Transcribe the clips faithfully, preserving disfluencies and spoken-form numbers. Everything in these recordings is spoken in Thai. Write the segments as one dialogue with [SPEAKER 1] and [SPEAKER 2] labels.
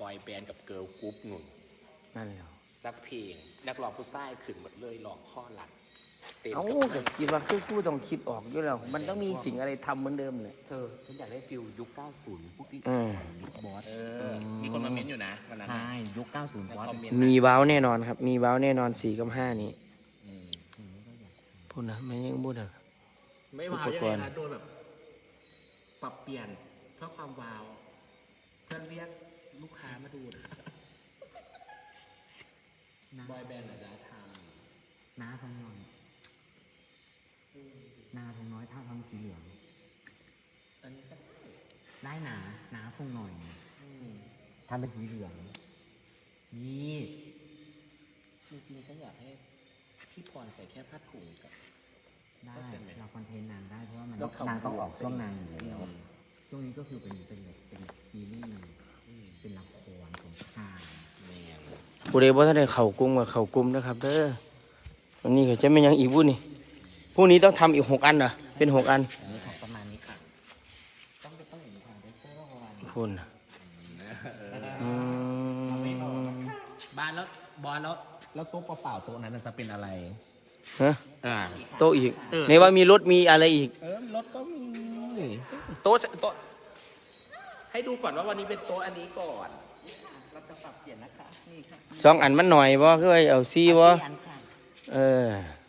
[SPEAKER 1] บอยแบนด์กับเกิร์ลกรุ๊ปหนุน
[SPEAKER 2] นั่นแหละ
[SPEAKER 1] สักเพลงนักร้องผู้ชายขึ้นหมดเลยร้องข้อหลัง
[SPEAKER 2] เอ้าแต่คิดว่าคือผู้ต้องคิดออกอยู่แล้วมันต้องมีสิ่งอะไรทำเหมือนเดิมเลย
[SPEAKER 3] เธอฉันอยากได้ฟิลยุคเก้าสิบพวกที่ยุคบอส
[SPEAKER 1] เออมีคนมาเม้นอยู่นะวันนั้น
[SPEAKER 3] ใช่ยุคเก้าสิบบอส
[SPEAKER 2] มีว้าวแน่นอนครับมีว้าวแน่นอนสี่กับห้านี้พูดนะไม่ยังพูดนะ
[SPEAKER 1] ไม่ว้าวยังไงนะโดนแบบปรับเปลี่ยนเพื่อความว้าวเพื่อเรียกลูกค้ามาดูนะบอยแบนด์หรือดาทาง
[SPEAKER 3] น้าทำหน่อยนาทงน้อยท่าทำสีเหลือง
[SPEAKER 1] อันนี้ก็
[SPEAKER 3] ได้หนาหนาทงหน่อยทำเป็นสีเหลืองนี่
[SPEAKER 1] จริงๆฉันอยากให้พี่พรใส่แค่ผ้าถุงกับ
[SPEAKER 3] ได้เราคอนเทนต์นางได้เพราะว่ามันนางต้องออกช่วงนางอยู่แล้วช่วงนี้ก็คือเป็นเป็นแบบเป็นซีรีส์เป็นละครของค่าย
[SPEAKER 2] ผู้ใดบ่ทันได้เข้ากลุ่มกับเข้ากลุ่มนะครับเด้อวันนี้ก็จะไม่ยังอีกผู้นี่พรุ่งนี้ต้องทำอีกหกอันเหรอเป็นหกอัน
[SPEAKER 3] นี่ของประมาณนี้ค่ะต้องไปต้องอย่างนี้ค่ะได้เสื้อประมาณนี้
[SPEAKER 2] คุณ
[SPEAKER 1] บ้านแล้วบอลแล้วแล้วโต๊ะเปล่าๆโต๊ะนั้นจะเป็นอะไร
[SPEAKER 2] ฮะโต๊ะอีกในว่ามีรถมีอะไรอีก
[SPEAKER 1] เออรถก็มีโต๊ะโต๊ะให้ดูก่อนว่าวันนี้เป็นโต๊ะอันนี้ก่อนเราจะปรับเปลี่ยนนะคะนี่ค่ะ
[SPEAKER 2] สองอันมันหน่อยบ่คือเอาซี่บ่เออ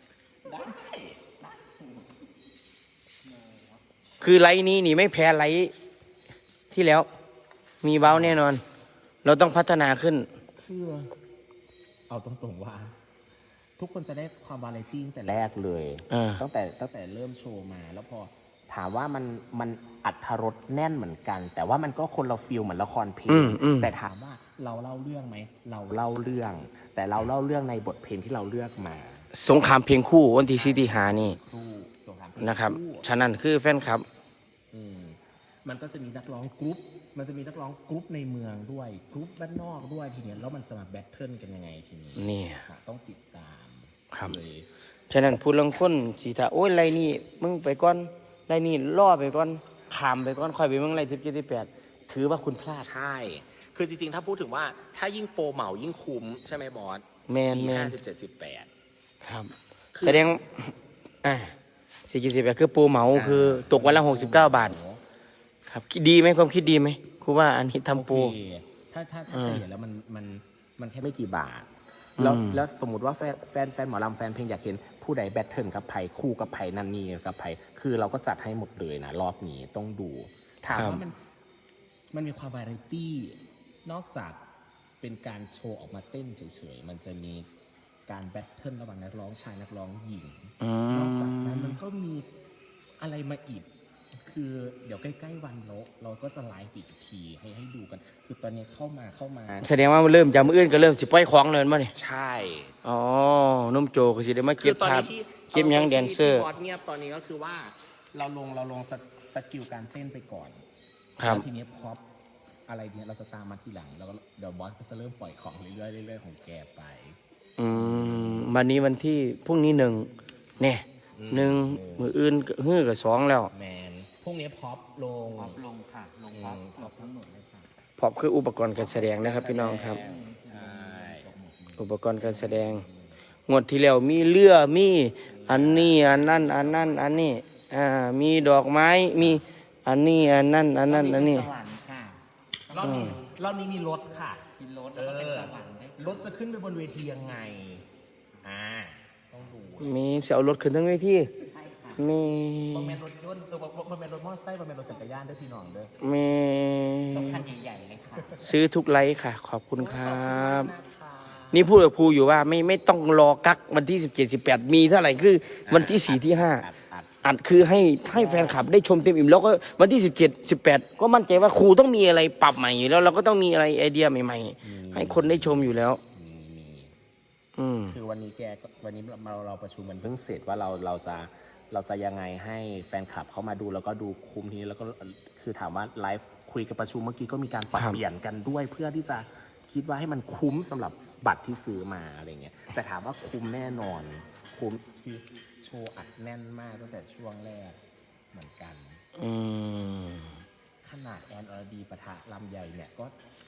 [SPEAKER 2] คือไลน์นี้นี่ไม่แพ้ไลน์ที่แล้วมีเบ้าแน่นอนเราต้องพัฒนาขึ้น
[SPEAKER 1] คือเอาตรงๆว่าทุกคนจะได้ความวาไรตี้ตั้งแต่แรกเลยตั้งแต่ตั้งแต่เริ่มโชว์มาแล้วพอถามว่ามันมันอัดรสแน่นเหมือนกันแต่ว่ามันก็คนเราฟีลเหมือนละครเพลงแต่ถามว่าเราเล่าเรื่องไหมเราเล่าเรื่องแต่เราเล่าเรื่องในบทเพลงที่เราเลือกมา
[SPEAKER 2] สงครามเพลงคู่วันที่สี่ที่ห้านี่นะครับฉะนั้นคือแฟนคลับ
[SPEAKER 1] มันก็จะมีนักร้องกรุ๊ปมันจะมีนักร้องกรุ๊ปในเมืองด้วยกรุ๊ปบ้านนอกด้วยทีนี้แล้วมันจะมาแบทเทิลกันยังไงทีนี้
[SPEAKER 2] นี่
[SPEAKER 1] ต้องติดตาม
[SPEAKER 2] ครับฉะนั้นพูดลังคนสีตาโอ้ยไรนี่มึงไปก่อนไรนี่ล่อไปก่อนขามไปก่อนคอยไปมึงไรทิพย์เจ็ดที่แปดถือว่าคุณพลาด
[SPEAKER 1] ใช่คือจริงๆถ้าพูดถึงว่าถ้ายิ่งโปรเหมายิ่งคุ้มใช่ไหมบอส
[SPEAKER 2] แมนแมน
[SPEAKER 1] ห้าสิบเจ็ดสิบแปด
[SPEAKER 2] ครับแสดงอ่าสี่สิบแปดคือโปรเหมาคือตกวันละหกสิบเก้าบาทครับคิดดีไหมความคิดดีไหมครูว่าอันนี้ทำโปร
[SPEAKER 1] ถ้าถ้าถ้าเฉลี่ยแล้วมันมันมันแค่ไม่กี่บาทแล้วแล้วสมมติว่าแฟนแฟนแฟนหมอลำแฟนเพลงอยากเห็นผู้ใดแบทเทิลกับไผ่คู่กับไผ่นันนี่กับไผ่คือเราก็จัดให้หมดเลยนะรอบนี้ต้องดูถามว่ามันมันมีความวาไรตี้นอกจากเป็นการโชว์ออกมาเต้นเฉยๆมันจะมีการแบทเทิลระหว่างนักร้องชายนักร้องหญิงนอกจากนั้นมันก็มีอะไรมาอีกคือเดี๋ยวใกล้ๆวันเราเราก็จะไลฟ์อีกทีให้ให้ดูกันคือตอนนี้เข้ามาเข้ามา
[SPEAKER 2] แสดงว่าเริ่มจากมืออื่นก็เริ่มสิปล่อยของเลยมั้ยนี่
[SPEAKER 1] ใช่
[SPEAKER 2] อ๋อนุ่มโจก็สิได้มาเก็บภาพเก็บยังแดนเซอร์
[SPEAKER 1] บอสเงียบตอนนี้ก็คือว่าเราลงเราลงสกิลการเต้นไปก่อน
[SPEAKER 2] ครับ
[SPEAKER 1] ทีนี้พออะไรเนี่ยเราจะตามมาทีหลังแล้วก็เดี๋ยวบอสก็จะเริ่มปล่อยของเรื่อยๆเรื่อยๆของแกไป
[SPEAKER 2] อืมวันนี้วันที่พรุ่งนี้หนึ่งเนี่ยหนึ่งมืออื่นฮื้อกับสองแล้ว
[SPEAKER 1] แมนพรุ่งนี้พอปลง
[SPEAKER 3] พอปลงค่ะลงพอปพอปทั้งหมดเลยค่ะ
[SPEAKER 2] พอปคืออุปกรณ์การแสดงนะครับพี่น้องครับ
[SPEAKER 1] ใช่
[SPEAKER 2] อุปกรณ์การแสดงงวดที่แล้วมีเรือมีอันนี้อันนั้นอันนั้นอันนี้อ่ามีดอกไม้มีอันนี้อันนั้นอันนั้นอันนี้
[SPEAKER 1] รอบนี้รอบนี้มีรถค่ะ
[SPEAKER 3] มีรถแล้วก็เป็นสวรรค์
[SPEAKER 1] รถจะขึ้นไปบนเวทียังไงอ่าต้องดู
[SPEAKER 2] มีเสียวรถขึ้นทั้งเวทีมี
[SPEAKER 1] บางแมนรถยนต์ตัวบางแมนรถมอเตอร์ไซค์บางแมนรถจักรยานด้วยพี่น้องด้วย
[SPEAKER 2] มี
[SPEAKER 3] ต้องคันใหญ่ๆเลยค่ะ
[SPEAKER 2] ซื้อทุกไลค์ค่ะขอบคุณครับนี่พูดกับครูอยู่ว่าไม่ไม่ต้องรอกักวันที่สิบเจ็ดสิบแปดมีเท่าไหร่คือวันที่สี่ที่ห้าอัดคือให้ให้แฟนคลับได้ชมเต็มอิ่มแล้วก็วันที่สิบเจ็ดสิบแปดก็มั่นใจว่าครูต้องมีอะไรปรับใหม่อยู่แล้วเราก็ต้องมีอะไรไอเดียใหม่ๆให้คนได้ชมอยู่แล้ว
[SPEAKER 1] คือวันนี้แกวันนี้เราเราประชุมมันเพิ่งเสร็จว่าเราเราจะเราจะยังไงให้แฟนคลับเข้ามาดูแล้วก็ดูคุมทีนี้แล้วก็คือถามว่าไลฟ์คุยกับประชุมเมื่อกี้ก็มีการปรับเปลี่ยนกันด้วยเพื่อที่จะคิดว่าให้มันคุ้มสำหรับบัตรที่ซื้อมาอะไรเงี้ยแต่ถามว่าคุ้มแน่นอนคุ้มคือโชว์อัดแน่นมากตั้งแต่ช่วงแรกเหมือนกันขนาดแอนอรดีปะทะลำใหญ่เนี่ยก็ก็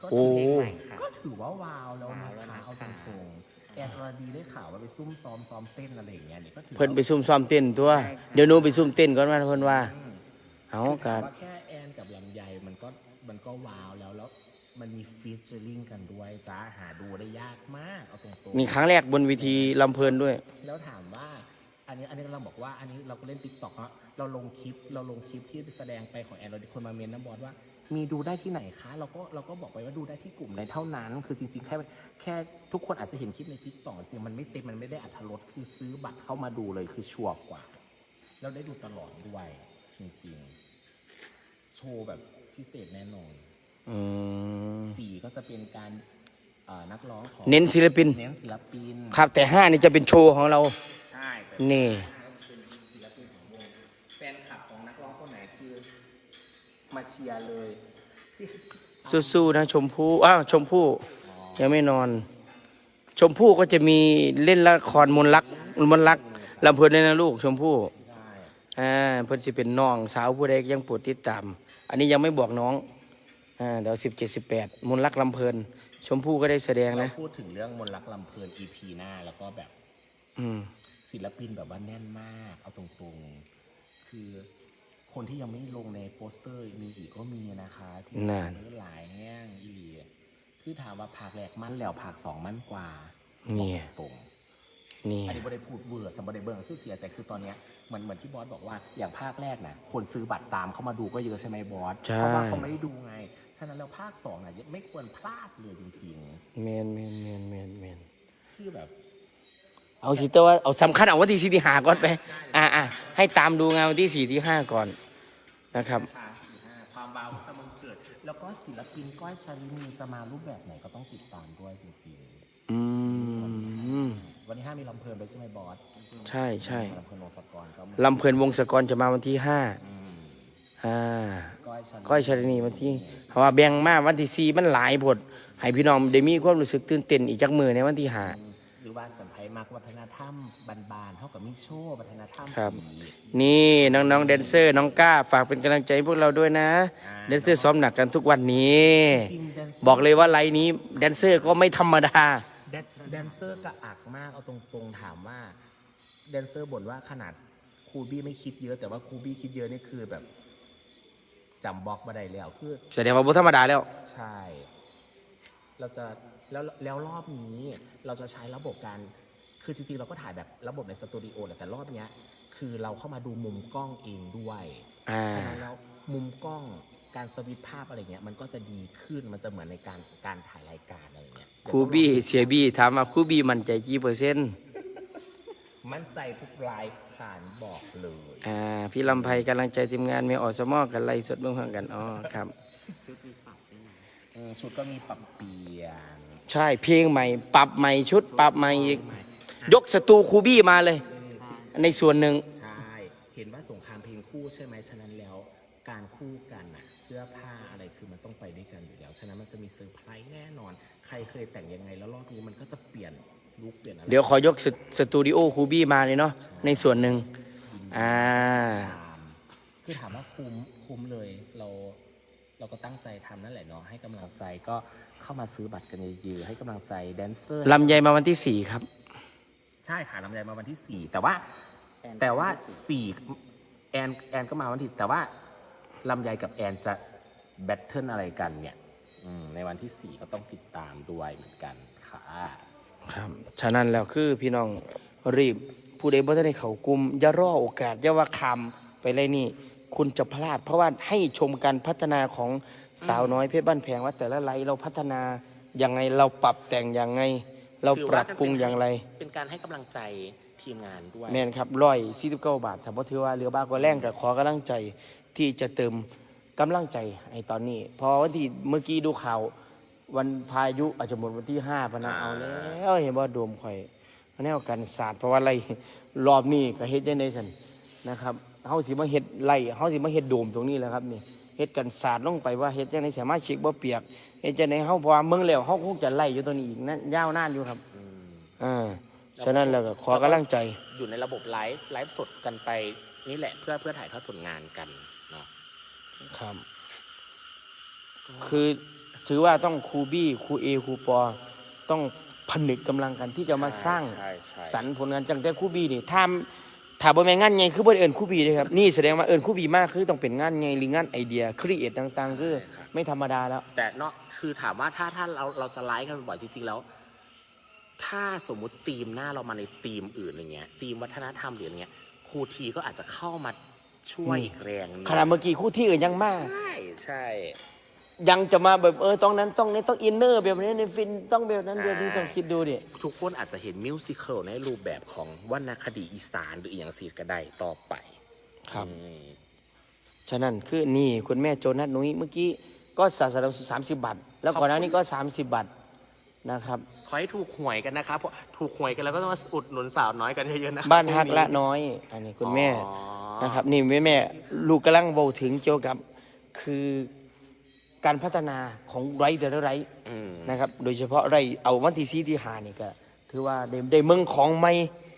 [SPEAKER 1] ก็
[SPEAKER 2] โอ้
[SPEAKER 1] ถือ
[SPEAKER 3] เพลงใหม่ค่ะ
[SPEAKER 1] ก็ถือว่าว้าวแล้ว
[SPEAKER 3] ว้าว
[SPEAKER 1] นะ
[SPEAKER 3] แล้ว
[SPEAKER 1] คะ
[SPEAKER 3] นะคะ
[SPEAKER 1] เอาตรงๆแอนอรดีได้ข่าวว่าไปซุ่มซ้อมซ้อมเต้นอะไรอย่างเงี้ยเนี่ยก็ถือ
[SPEAKER 2] เพิ่นไป
[SPEAKER 1] ว่า
[SPEAKER 2] ซุ่มซ้อมเต้นตัว
[SPEAKER 3] ใช่ค่ะ
[SPEAKER 2] เดี๋ยวหนูไปซุ่มเต้นก่อนว่าเพิ่นว่า
[SPEAKER 1] อืม
[SPEAKER 2] เอา
[SPEAKER 1] คือ
[SPEAKER 2] กั
[SPEAKER 1] ถาม
[SPEAKER 2] น
[SPEAKER 1] ว่าแค่แอนกับลำไยมันก็มันก็ว้าวแล้วแล้วมันมีฟีเจอริงกันด้วยจ้าหาดูได้ยากมากเอาตรงๆ
[SPEAKER 2] มีครั้งแรกบนเวทีลำเพลินด้วย
[SPEAKER 1] แล้วถามว่าอันนี้อันนี้เราบอกว่าอันนี้เราก็เล่นติ๊กต็อกเนาะเราลงคลิปเราลงคลิปที่แสดงไปของแอนเราคนมาเมนน้ำบอสว่า มีดูได้ที่ไหนคะเราก็เราก็บอกไปว่าดูได้ที่กลุ่มในเท่านั้น คือจริงๆแค่แค่ทุกคนอาจจะเห็นคลิปในติ๊กต็อกจริงมันไม่เต็มมันไม่ได้อรรถรสคือซื้อบัตรเข้ามาดูเลยคือชัวร์กว่าแล้วได้ดูตลอดด้วยจริงๆโชว์แบบพิเศษแน่นอน
[SPEAKER 2] อืม
[SPEAKER 1] สี่ก็จะเป็นการเอ่อนักร้องของ
[SPEAKER 2] เน้นศิลปิน
[SPEAKER 1] เน้นศิลปิน
[SPEAKER 2] ครับแต่ห้านี่จะเป็นโชว์ของเรา
[SPEAKER 1] ใช่แต่
[SPEAKER 2] นี่
[SPEAKER 1] เป็นศิลปินของวงแฟนคลับของนักร้องคนไหนคือมาเชียร์เลย
[SPEAKER 2] สู้ๆนะชมพู่อ้าวชมพู่ยังไม่นอน ชมพู่ก็จะมีเล่นละครมนต์รักมนต์รักลำเพลินเลยนะลูกชมพู่
[SPEAKER 1] ใช่
[SPEAKER 2] อ่าเพิ่นสิเป็นน้องสาวผู้ใดยังโปรดติดตาม อันนี้ยังไม่บอกน้องอ่าเดี๋ยวสิบเจ็ดสิบแปดมนต์รักลำเพลิน ชมพู่ก็ได้แสดง
[SPEAKER 1] เรา
[SPEAKER 2] นะ
[SPEAKER 1] พูดถึงเรื่องมนต์รักลำเพลิน อี พี หน้าแล้วก็แบบ
[SPEAKER 2] อืม
[SPEAKER 1] ศิลปินแบบว่าแน่นมากเอาตรงๆ คือคนที่ยังไม่ลงในโปสเตอร์มีอีกก็มีนะคะที่
[SPEAKER 2] นั่น
[SPEAKER 1] หลายแง่งอีหลีคือถามว่าภาคแรกมั่นแล้วภาคสองมั่นกว่า
[SPEAKER 2] นี่
[SPEAKER 1] บอกตรง
[SPEAKER 2] นี่
[SPEAKER 1] อันนี้บได้พูดเวอร์สมบัติเบิร์คือเสียใจคือตอนเนี้ยเหมือนเหมือนที่บอสบอกว่าอย่างภาคแรกนะคนซื้อบัตรตามเข้ามาดูก็เยอะใช่ไหมบอส
[SPEAKER 2] ใช่
[SPEAKER 1] เพราะว่าเขาไม่ได้ดูไงฉะนั้นแล้วภาคสองน่ะไม่ควรพลาดเลยจริง
[SPEAKER 2] แมนแมนแมนแมนแมน
[SPEAKER 1] ๆคือแบบ
[SPEAKER 2] เอาสิแต่ว่าเอาสำคัญเอาวันที่สี่ที่ห้าก่อนไป อ่าอ่าให้ตามดูงานวันที่สี่ที่ห้าก่อนนะครับ
[SPEAKER 1] นะคะสี่ห้าความว้าวจะมันเกิด แล้วก็ศิลปินก้อยชาลินีจะมารูปแบบไหนก็ต้องติดตามด้วยจริง
[SPEAKER 2] อืม
[SPEAKER 1] ๆวันที่ห้ามีลำเพลินไปใช่ไหมบอส
[SPEAKER 2] ใช่ใช่
[SPEAKER 1] ลำเพลินวงศกรก็มา
[SPEAKER 2] ลำเพลินวงศกรจะมาวันที่ห้า
[SPEAKER 1] อืม
[SPEAKER 2] อ่า
[SPEAKER 1] ก้อยชาลินี
[SPEAKER 2] ก้อยชาลินีวันที่เพราะว่าแบ่งมาวันที่สี่มันหลายผดให้พี่น้องได้มีความรู้สึกตื่นเต้นอีกจักมือในวันที่ห้า
[SPEAKER 1] หรือว่าสัมผัสมากวัฒนธรรมบานๆเท่ากับมิโชว์วัฒนธรรม
[SPEAKER 2] ครับ
[SPEAKER 1] ผี
[SPEAKER 2] นี่น้องๆแดนเซอร์น้องก้าฝากเป็นกำลังใจให้พวกเราด้วยนะแดนเซอร์ซ้อมหนักกันทุกวันนี้
[SPEAKER 1] จริงๆแดนเซอร์
[SPEAKER 2] บอกเลยว่าไลน์นี้แดนเซอร์ก็ไม่ธรรมดา
[SPEAKER 1] แดนแดนเซอร์กระอักมากเอาตรงๆถามว่าแดนเซอร์บ่นว่าขนาดครูบี้ไม่คิดเยอะ แต่ว่าครูบี้คิดเยอะนี่คือแบบจำบล็อกมาได้แล้วคือ
[SPEAKER 2] แสดงว่าบ่ธรรมดาแล้ว
[SPEAKER 1] ใช่ เราจะแล้วแล้วรอบนี้เราจะใช้ระบบการคือจริงๆเราก็ถ่ายแบบระบบในสตูดิโอแหละแต่รอบเนี้ยคือเราเข้ามาดูมุมกล้องเองด้วย
[SPEAKER 2] อ่า
[SPEAKER 1] ฉะนั้นแล้วมุมกล้องการสวิตช์ภาพอะไรเงี้ยมันก็จะดีขึ้นมันจะเหมือนในการการถ่ายรายการอะไรเงี้ย
[SPEAKER 2] ครูบี้เสียบี้ถามว่าครูบี้มั่นใจกี่เปอร์เซ็นต์
[SPEAKER 1] มั่นใจทุกรายขานบอกเลย
[SPEAKER 2] อ่าพี่ลำไพกำลังใจทีมงานมีออสมอกันไล่สดเบื้องข้างกันอ๋อครับ
[SPEAKER 1] เออชุดก็มีปรับเปลี่ยน
[SPEAKER 2] ใช่เพลงใหม่ ปรับใหม่ชุด ปรับใหม่อีกยกสตูครูบี้มาเลย ในส่วนหนึ่ง
[SPEAKER 1] ใช่ เห็นว่าสงครามเพลงคู่ใช่ไหมฉะนั้นแล้วการคู่กันอะเสื้อผ้าอะไรคือมันต้องไปด้วยกันอยู่แล้วฉะนั้นมันจะมีเซอร์ไพรส์แน่นอน ใครเคยแต่งยังไงแล้วรอบนี้มันก็จะเปลี่ยนลุคเปลี่ยนอะไร
[SPEAKER 2] เดี๋ยวขอยกสสตูดิโอครูบี้มาเลยเนาะในส่วนหนึ่งอ่า
[SPEAKER 1] ตามคือถามว่าคุ้มคุ้มเลยเราเราก็ตั้งใจทำนั่นแหละเนาะให้กำลังใจก็เข้ามาซื้อบัตรกันเยอะๆให้กำลังใจแดนเซอร์
[SPEAKER 2] ลำไยมาวันที่สี่ครับ
[SPEAKER 1] ใช่ค่ะลำไยมาวันที่สี่แต่ว่า แต่ว่าสี่แอนแอนก็มาวันที่แต่ว่าลำไยกับแอนจะแบทเทิลอะไรกันเนี่ยอืมในวันที่สี่ก็ต้องติดตามด้วยเหมือนกันค่ะ
[SPEAKER 2] ครับ ฉะนั้นแล้วคือพี่น้องรีบผู้ใดบ่ทันได้เข้ากลุ่มอย่ารอโอกาสอย่าว่าคำไปเลยนี่ คุณจะพลาด เพราะว่าให้ชมการพัฒนาของสาวน้อยเพชรบ้านแพงว่าแต่ละไลฟ์เราพัฒนาอย่างไงเราปรับแต่งอย่างไง เราปรับปรุงอย่างไร
[SPEAKER 1] เป็นการให้กำลังใจทีมงานด้วย
[SPEAKER 2] แม่นครับร้อยสี่สิบเก้าบาทถ้าบ่ถือว่าเหลือบ้ากว่าแรงก็ขอกำลังใจที่จะเติมกำลังใจให้ตอนนี้เพอวันที่เมื่อกี้ดูข่าววันพายุอาจจะหมดวันที่ห้าพะนะเอาแล้วเห็นว่าโดมข่อยแนวกันศาสตร์เพราะว่าไรรอบนี้ก็เฮ็ดยังไงซั่นนะครับเฮาสิมาเฮ็ดไร่เฮาสิมาเฮ็ดโดมตรงนี้แหละครับนี่เฮ็ดกันศาสตร์ลงไปว่าเฮ็ดจังได๋สามารถเช็คบ่เปียกเฮ็ดจังได๋เฮาเพราะว่าเมืองแล้วเฮาคงจะไล่อยู่ตัวนี้อีกนั้นยาวนานอยู่ครับ
[SPEAKER 1] อืม
[SPEAKER 2] อ่าฉะนั้นแล้วก็ขอกำลังใจ
[SPEAKER 1] อยู่ในระบบไลฟ์ไลฟ์สดกันไปนี่แหละเพื่อเพื่อถ่ายทอดผลงานกันเนาะ
[SPEAKER 2] ครับ คือถือว่าต้องครูบี้ครูเอครูปอต้องผนึกกำลังกันที่จะมาสร้าง
[SPEAKER 1] ใช่ใช่
[SPEAKER 2] สรรค์ผลงานจังแต่ครูบี้นี่ถ้าถ้าบ่แม่นงานใหญ่คือบ่ได้เอิ้นครูบี้เด้ครับนี่แสดงว่าเอิ้นครูบี้มากคือต้องเป็นงานใหญ่หรืองานไอเดียครีเอทต่างๆคือไม่ธรรมดาแล้ว
[SPEAKER 1] แต่เนาะคือถามว่าถ้าถ้าเราเราจะไลฟ์กันบ่อยจริงๆแล้ว ถ้าสมมุติธีมหน้าเรามาในธีมอื่นอะไรเงี้ยธีมวัฒนธรรมหรืออะไรเงี้ยครูทีก็อาจจะเข้ามาช่วยอีกแรงหนึ่ง
[SPEAKER 2] ขณะเมื่อกี้ครู่ที่อื่นยังมาก
[SPEAKER 1] ใช่ใช่
[SPEAKER 2] ยังจะมาแบบเออต้องนั้นต้องนี้ต้องอินเนอร์แบบนี้ในฟินต้องแบบนั้นแบบนี้ต้องคิดดูดิ
[SPEAKER 1] ทุกคนอาจจะเห็นมิวสิควลในรูปแบบของวรรณคดีอีสานหรืออีกอย่างสีก็ได้ต่อไป
[SPEAKER 2] ครับ
[SPEAKER 1] อืม
[SPEAKER 2] ฉะนั้นคือนี่คุณแม่โจนัสนุ้ยเมื่อกี้ก็สาสารสามสิบบาทแล้วก่อนหน้านี้ก็สามสิบบาทนะครับ
[SPEAKER 1] ขอให้ถูกหวยกันนะครับเพราะถูกหวยกันแล้วก็ต้องมาอุดหนุนสาวน้อยกันเยอะๆนะ
[SPEAKER 2] บ้านฮักละน้อย อันนี้คุณแม่นะครับนี่แม่แม่ลูกกำลังเบาถึงเกี่ยวกับคือการพัฒนาของไรแต่ละไร
[SPEAKER 1] อืม
[SPEAKER 2] นะครับ โดยเฉพาะไรเอาวันที่ซีที่หานี่ก็ถือว่าได้ได้เมืองของใหม่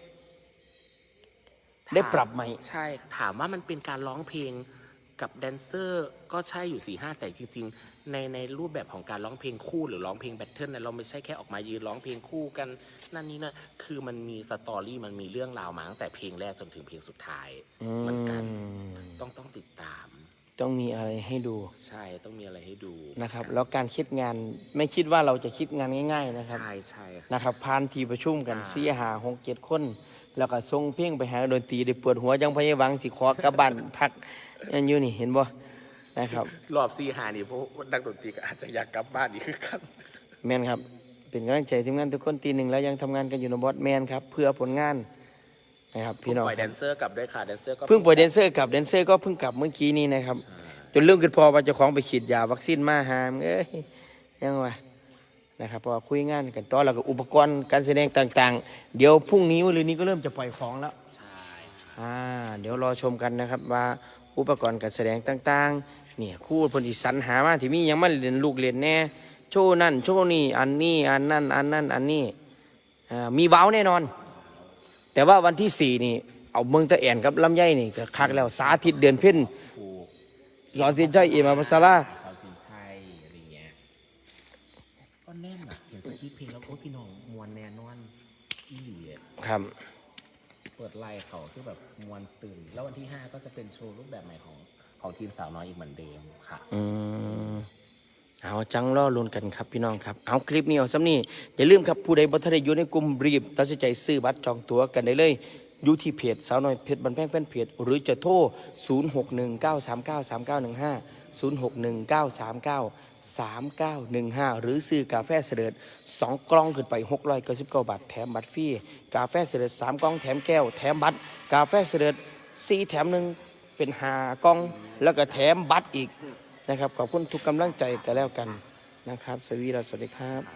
[SPEAKER 2] ได้ปรับใหม่
[SPEAKER 1] ใช่ถามว่ามันเป็นการร้องเพลงกับแดนเซอร์ก็ใช่อยู่สี่ห้าแต่จริงๆ ในในรูปแบบของการร้องเพลงคู่หรือร้องเพลงแบทเทิลเนี่ยเราไม่ใช่แค่ออกมายืนร้องเพลงคู่กันนั่นนี่นะคือมันมีสตอรี่มันมีเรื่องราวมาตั้งแต่เพลงแรกจนถึงเพลงสุดท้าย
[SPEAKER 2] อืม
[SPEAKER 1] เหมือนกันต้องต้องติดตาม
[SPEAKER 2] ต้องมีอะไรให้ดู
[SPEAKER 1] ใช่ต้องมีอะไรให้ดู
[SPEAKER 2] นะครับ แล้วการคิดงานไม่คิดว่าเราจะคิดงานง่าย ๆ นะครับ
[SPEAKER 1] ใช่ใช่
[SPEAKER 2] นะครับพานทีประชุมกัน
[SPEAKER 1] อ่า
[SPEAKER 2] สี่หาหกเจ็ดคน แล้วก็ส่งเพลงไปหาดนตรีได้ปวดหัวจังพยาวังสิขอกลับบ้าน พักยันอยู่นี่เห็นบ่นะครับ
[SPEAKER 1] รอบซีหานี่เพราะว่านักดนตรีก็อาจจะอยากกลับบ้านอีกคือกัน
[SPEAKER 2] แมนครับ เป็นกำลังใจทีมงานทุกคนตีหนึ่งแล้วยังทำงานกันอยู่ในบอสแมนครับเพื่อผลงานนะครับพี่น้อง
[SPEAKER 1] ปล่อยแดนเซอร์กลับด้วยค่ะแดนเซอร์ก็
[SPEAKER 2] เพิ่งปล่อยแดนเซอร์กลับแดนเซอร์ก็เพิ่งกลับเมื่อกี้นี้นะครับจนเรื่องขึ้นพอว่าเจ้าของไปฉีดยาวัคซีนมาหามเอ้ยยังวะนะครับเพอคุยงานกันต่อแล้วก็อุปกรณ์การแสดงต่างๆ เดี๋ยวพรุ่งนี้หรือนี้ก็เริ่มจะปล่อยของแล้ว
[SPEAKER 1] ใช่ค่ะ
[SPEAKER 2] อ่าเดี๋ยวรอชมกันนะครับว่าอุปกรณ์การแสดงต่างๆเนี่ยครู่เพนอีสรรหามาที่มียังมาเรียนลูกเรียนแน่โชว์นั่นโชว์นี่อันนี้อันนั่นอันนั่นอันนี้อ่ามีเว้าแน่นอน แต่ว่าวันที่สี่นี่เอาเมืองตะแอนกับลำไยนี่ก็คักแล้วสาธิตเดือนเพ็ญ
[SPEAKER 1] ถูก
[SPEAKER 2] สอนสินใจเอมาภาษาลา
[SPEAKER 1] สาวสินชัยอะไรเงี้ยก็แน่นอ่ะเห็นสคริปต์เพลงแล้วโอ้พี่น้องมวนแน่นอนอีหลีอะ
[SPEAKER 2] ครับ
[SPEAKER 1] เปิดไลน์เขาคือแบบมวนตื่น แล้ววันที่ห้าก็จะเป็นโชว์รูปแบบใหม่ของของทีมสาวน้อยอีกเหมือนเดิมค่ะ
[SPEAKER 2] อืมเอาจังรอลุ้นกันครับพี่น้องครับเอาคลิปนี้เอาซ้ำนี่อย่าลืมครับผู้ใดบ่ทันได้อยู่ในกลุ่มรีบตัดสินใจซื้อบัตรจองตั๋วกันได้เลยอยู่ที่เพจสาวน้อยเพชรบันแพงแฟนเพจหรือจะโทรศูนย์ หก หนึ่ง เก้า สาม เก้า สาม เก้า หนึ่ง ห้า ศูนย์ หก หนึ่ง เก้า สาม เก้า สาม เก้า หนึ่ง ห้าหรือซื้อกาแฟเสด็จสองกล่องขึ้นไปหกร้อยเก้าสิบเก้าบาทแถมบัตรฟรีกาแฟเสด็จสามกล่องแถมแก้วแถมบัตรกาแฟเสด็จสี่แถมหนึ่งเป็นห้ากล่องแล้วก็แถมบัตรอีกนะครับขอบคุณทุกกำลังใจกันแล้วกันนะครับสวีดัสสวัสดีครับ